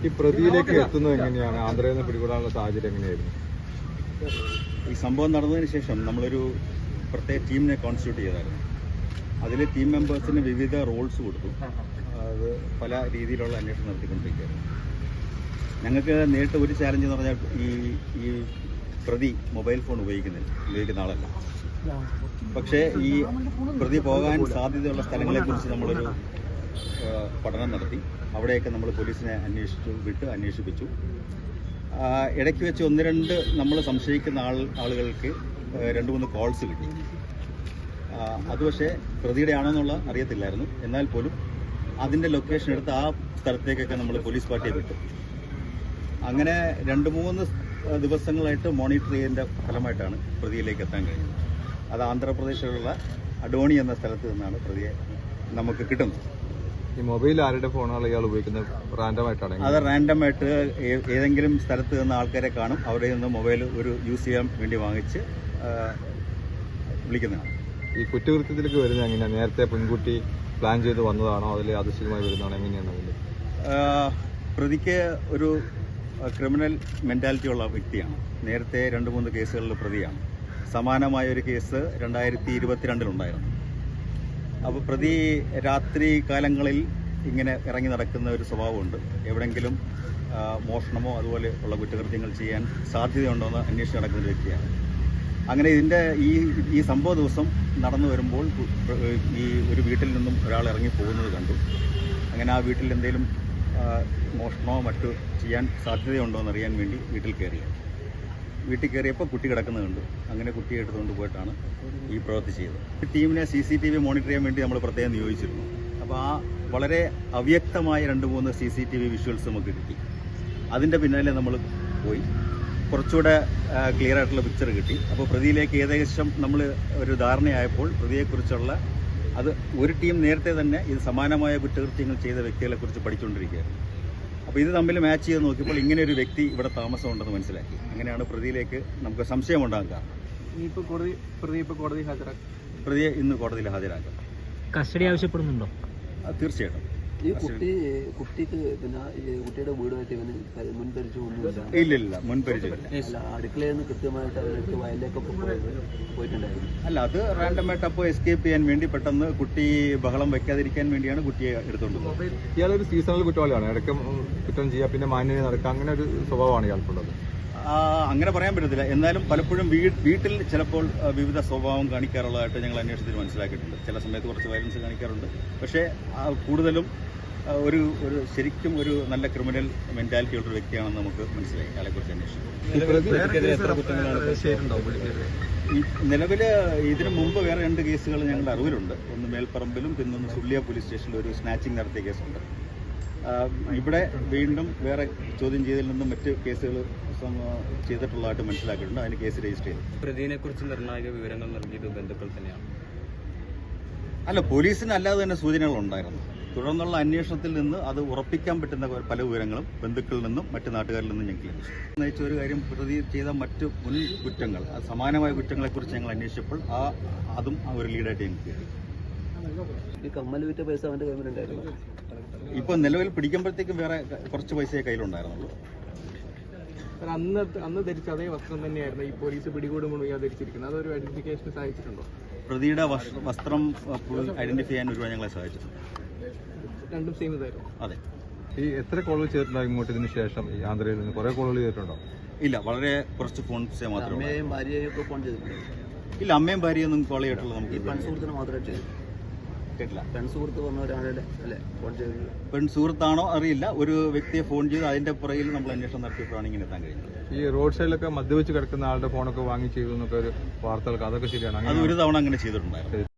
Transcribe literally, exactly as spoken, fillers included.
ഈ പ്രതിയിലേക്ക് എത്തുന്നത് എങ്ങനെയാണ്? ആന്ധ്രയിൽ നിന്ന് പിടികൂടാനുള്ള സാഹചര്യം എങ്ങനെയായിരുന്നു? ഈ സംഭവം നടന്നതിന് ശേഷം നമ്മളൊരു പ്രത്യേക ടീമിനെ കോൺസ്റ്റിറ്റ്യൂട്ട് ചെയ്തായിരുന്നു. അതിൽ ടീം മെമ്പേഴ്സിന് വിവിധ റോൾസ് കൊടുത്തു. അത് പല രീതിയിലുള്ള അന്വേഷണം നടത്തിക്കൊണ്ടിരിക്കുകയായിരുന്നു. ഞങ്ങൾക്ക് നേരിട്ട് ഒരു ചാലഞ്ച് എന്ന് പറഞ്ഞാൽ ഈ ഈ പ്രതി മൊബൈൽ ഫോൺ ഉപയോഗിക്കുന്നില്ല ഉപയോഗിക്കുന്ന ആളല്ല. പക്ഷേ ഈ പ്രതി പോകാൻ സാധ്യതയുള്ള സ്ഥലങ്ങളെക്കുറിച്ച് നമ്മളൊരു പഠനം നടത്തി. അവിടെയൊക്കെ നമ്മൾ പോലീസിനെ അന്വേഷിച്ചു വിട്ട് അന്വേഷിപ്പിച്ചു. ഇടയ്ക്ക് വെച്ച് ഒന്ന് രണ്ട് നമ്മൾ സംശയിക്കുന്ന ആൾ ആളുകൾക്ക് രണ്ട് മൂന്ന് കോൾസ് കിട്ടി. അത് പക്ഷേ പ്രതിയുടെ ആണെന്നുള്ള അറിയത്തില്ലായിരുന്നു. എന്നാൽ പോലും അതിൻ്റെ ലൊക്കേഷൻ എടുത്ത് ആ സ്ഥലത്തേക്കൊക്കെ നമ്മൾ പോലീസ് പാർട്ടിയെ വിട്ടു. അങ്ങനെ രണ്ട് മൂന്ന് ദിവസങ്ങളായിട്ട് മോണിറ്റർ ചെയ്തതിൻ്റെ ഫലമായിട്ടാണ് പ്രതിയിലേക്ക് എത്താൻ കഴിഞ്ഞത്. അത് ആന്ധ്രാപ്രദേശിലുള്ള അഡോണി എന്ന സ്ഥലത്ത് നിന്നാണ് പ്രതിയെ നമുക്ക് കിട്ടുന്നത്. ഈ മൊബൈൽ ആരുടെ ഫോണാണ് ഇയാൾ ഉപയോഗിക്കുന്നത്? റാൻഡമായിട്ടാണ്? അത് റാൻഡമായിട്ട് ഏതെങ്കിലും സ്ഥലത്ത് നിന്ന് ആൾക്കാരെ കാണും. അവിടെ നിന്ന് മൊബൈൽ ഒരു യൂസ് ചെയ്യാൻ വേണ്ടി വാങ്ങിച്ച് വിളിക്കുന്നതാണ്. ഈ കുറ്റകൃത്യത്തിലേക്ക് വരുന്നത് എങ്ങനെയാണ്? നേരത്തെ പെൺകുട്ടി പ്ലാൻ ചെയ്ത് വന്നതാണോ? അതിൽ ആദർശികമായി വരുന്നതാണോ? എങ്ങനെയാണ് അതിൽ? പ്രതിക്ക് ഒരു ക്രിമിനൽ മെൻറ്റാലിറ്റി ഉള്ള വ്യക്തിയാണ്. നേരത്തെ രണ്ട് മൂന്ന് കേസുകളിൽ പ്രതിയാണ്. സമാനമായ ഒരു കേസ് രണ്ടായിരത്തി ഇരുപത്തിരണ്ടിലുണ്ടായിരുന്നു. അപ്പോൾ പ്രതി രാത്രി കാലങ്ങളിൽ ഇങ്ങനെ ഇറങ്ങി നടക്കുന്ന ഒരു സ്വഭാവമുണ്ട്. എവിടെയെങ്കിലും മോഷണമോ അതുപോലെ ഉള്ള കുറ്റകൃത്യങ്ങൾ ചെയ്യാൻ സാധ്യതയുണ്ടോയെന്ന് അന്വേഷിച്ച് നടക്കുന്ന ഒരു വ്യക്തിയാണ്. അങ്ങനെ ഇതിൻ്റെ ഈ ഈ സംഭവ ദിവസം നടന്നു വരുമ്പോൾ ഈ ഒരു വീട്ടിൽ നിന്നും ഒരാൾ ഇറങ്ങി പോകുന്നത് കണ്ടു. അങ്ങനെ ആ വീട്ടിൽ എന്തെങ്കിലും മോഷണമോ മറ്റോ ചെയ്യാൻ സാധ്യതയുണ്ടോ എന്നറിയാൻ വേണ്ടി വീട്ടിൽ കയറി. വീട്ടിൽ കയറിയപ്പോൾ കുട്ടി കിടക്കുന്നത് കണ്ടു. അങ്ങനെ കുട്ടിയെ എടുത്തുകൊണ്ട് പോയിട്ടാണ് ഈ പ്രവൃത്തി ചെയ്തത്. ടീമിനെ C C T V monitor ചെയ്യാൻ വേണ്ടി നമ്മൾ പ്രത്യേകം നിയോഗിച്ചിരുന്നു. അപ്പോൾ ആ വളരെ അവ്യക്തമായ രണ്ട് മൂന്ന് C C T V visuals നമുക്ക് കിട്ടി. അതിൻ്റെ പിന്നാലെ നമ്മൾ പോയി കുറച്ചുകൂടെ ക്ലിയർ ആയിട്ടുള്ള പിക്ചർ കിട്ടി. അപ്പോൾ പ്രതിയിലേക്ക് ഏകദേശം നമ്മൾ ഒരു ധാരണയായപ്പോൾ പ്രതിയെക്കുറിച്ചുള്ള അത് ഒരു ടീം നേരത്തെ തന്നെ ഇത് സമാനമായ കുറ്റകൃത്യങ്ങൾ ചെയ്ത വ്യക്തികളെക്കുറിച്ച് പഠിച്ചുകൊണ്ടിരിക്കുകയായിരുന്നു. അപ്പോൾ ഇത് തമ്മിൽ മാച്ച് ചെയ്ത് നോക്കിയപ്പോൾ ഇങ്ങനെ ഒരു വ്യക്തി ഇവിടെ താമസമുണ്ടെന്ന് മനസ്സിലാക്കി. അങ്ങനെയാണ് പ്രതിയിലേക്ക് നമുക്ക് സംശയമുണ്ടാകാൻ കാരണം. ഇപ്പോൾ കോടതി പ്രതി ഇപ്പോൾ കോടതി ഹാജരാക്കും. പ്രതിയെ ഇന്ന് കോടതിയിൽ ഹാജരാക്കും. കസ്റ്റഡി ആവശ്യപ്പെടുന്നുണ്ടോ? തീർച്ചയായിട്ടും. ഈ കുട്ടി കുട്ടിക്ക് പിന്നെ കുട്ടിയുടെ വീടുമായിട്ട് ഇവന് മുൻപരിചയമൊന്നുമില്ല? ഇല്ലില്ല, മുൻപരിചയമില്ല. അടുക്കളയിൽ നിന്ന് കൃത്യമായിട്ട് അവർക്ക് വയലിലേക്കൊക്കെ പോയിട്ടുണ്ടായിരുന്നു? അല്ല, അത് റാൻഡമായിട്ട് അപ്പോൾ എസ്കേപ്പ് ചെയ്യാൻ വേണ്ടി പെട്ടെന്ന് കുട്ടി ബഹളം വയ്ക്കാതിരിക്കാൻ വേണ്ടിയാണ് കുട്ടിയെ എടുത്തുകൊണ്ട് പോകുന്നത്. ഇയാളൊരു സീസണൽ കുറ്റവാളിയാണ്. ഇടയ്ക്ക് കുറ്റം ചെയ്യുക, പിന്നെ മാന്യത നടക്കുക, അങ്ങനെ ഒരു സ്വഭാവമാണ് ഇയാൾക്കുള്ളത്. അങ്ങനെ പറയാൻ പറ്റത്തില്ല. എന്നാലും പലപ്പോഴും വീട്ടിൽ ചിലപ്പോൾ വിവിധ സ്വഭാവം കാണിക്കാറുള്ളതായിട്ട് ഞങ്ങൾ അന്വേഷണത്തിൽ മനസ്സിലാക്കിയിട്ടുണ്ട്. ചില സമയത്ത് കുറച്ച് വയലൻസ് കാണിക്കാറുണ്ട്. പക്ഷേ കൂടുതലും ഒരു ഒരു ശരിക്കും ഒരു നല്ല ക്രിമിനൽ മെന്റാലിറ്റി ഉള്ളൊരു വ്യക്തിയാണെന്ന് നമുക്ക് മനസ്സിലായി അയാളെക്കുറിച്ച് അന്വേഷിച്ചു. നിലവിൽ ഇതിനു മുമ്പ് വേറെ രണ്ട് കേസുകൾ ഞങ്ങളുടെ അറിവിലുണ്ട്. ഒന്ന് മേൽപ്പറമ്പിലും പിന്നൊന്ന് സുള്ളിയ പോലീസ് സ്റ്റേഷനിൽ ഒരു സ്നാച്ചിങ് നടത്തിയ കേസുണ്ട്. ഇവിടെ വീണ്ടും വേറെ ചോദ്യം ചെയ്തതിൽ നിന്നും മറ്റ് കേസുകൾ ചെയ്തിട്ടുള്ളതായിട്ട് മനസ്സിലാക്കിയിട്ടുണ്ട്. അതിന് കേസ് രജിസ്റ്റർ ചെയ്തു. പ്രതിയെ കുറിച്ച് നിർണായക വിവരങ്ങൾ നൽകിയത് ബന്ധുക്കൾ തന്നെയാണ്? അല്ല, പോലീസിന് അല്ലാതെ തന്നെ സൂചനകൾ ഉണ്ടായിരുന്നു. തുടർന്നുള്ള അന്വേഷണത്തിൽ നിന്ന് അത് ഉറപ്പിക്കാൻ പറ്റുന്ന പല വിവരങ്ങളും ബന്ധുക്കളിൽ നിന്നും മറ്റു നാട്ടുകാരിൽ നിന്നും ഞങ്ങൾക്ക് ലഭിച്ചു. നയിച്ച ഒരു കാര്യം, പ്രതി ചെയ്ത മറ്റു മുൻ കുറ്റങ്ങൾ, സമാനമായ കുറ്റങ്ങളെക്കുറിച്ച് ഞങ്ങൾ അന്വേഷിച്ചപ്പോൾ ആ അതും ഒരു ലീഡായിട്ട് ഞങ്ങൾക്ക് കിട്ടി. ഈ കമ്മൽ വിറ്റ പൈസ അവൻ്റെ കയ്യിലുണ്ടായിരുന്നു? ഇപ്പോൾ നിലവിൽ പിടിക്കുമ്പോഴത്തേക്കും വേറെ കുറച്ച് പൈസയെ കയ്യിലുണ്ടായിരുന്നുള്ളൂ. അന്ന് അന്ന് ധരിച്ച അതേ വസ്ത്രം തന്നെയായിരുന്നു ഈ പോലീസ് പിടികൂടുമ്പോൾ ഇയാൾ ധരിച്ചിരിക്കുന്നത്. അതൊരു ഐഡന്റിഫിക്കേഷന് സഹായിച്ചിട്ടുണ്ടോ? പ്രതിയുടെ വസ്ത്രം ഐഡന്റിഫൈ ചെയ്യാൻ ഒരുപാട് ഞങ്ങളെ സഹായിച്ചിട്ടുണ്ട്. രണ്ടും സെയിം ഇതായിരുന്നു? അതെ. ഈ എത്ര കോളുകൾ ചെയ്തിട്ടുണ്ടാകും ഇങ്ങോട്ട് ഇതിന് ശേഷം? ഈ ആന്ധ്രയിൽ നിന്ന് കുറെ കോളുകൾ ചെയ്തിട്ടുണ്ടോ? ഇല്ല, വളരെ കുറച്ച് ഫോൺസേ മാത്രമേ. അമ്മയെയും ഭാര്യയെയും ഒക്കെ ഫോൺ ചെയ്തിട്ടുണ്ട്? ഇല്ല, അമ്മയും ഭാര്യയൊന്നും കോൾ ചെയ്തിട്ടുള്ളത് നമുക്ക്. പെൺസുഹൃത്തിന് മാത്രമായിട്ട് ചെയ്തു? കേട്ടില്ല. പെൺസുഹൃത്ത് പറഞ്ഞവരാണല്ലേ അല്ലേ ഫോൺ ചെയ്തത്? പെൺസുഹൃത്താണോ അറിയില്ല. ഒരു വ്യക്തിയെ ഫോൺ ചെയ്ത് അതിന്റെ പുറകിൽ നമ്മൾ അന്വേഷണം നടത്തിയപ്പോഴാണ് ഇങ്ങനെ എത്താൻ കഴിഞ്ഞത്. ഈ റോഡ് സൈഡിലൊക്കെ മദ്യപിച്ച് കിടക്കുന്ന ആളുടെ ഫോണൊക്കെ വാങ്ങി ചെയ്തു എന്നൊക്കെ ഒരു വാർത്തകൾക്ക്, അതൊക്കെ ശരിയാണ്? അത് ഒരു തവണ അങ്ങനെ ചെയ്തിട്ടുണ്ടായിരുന്നു.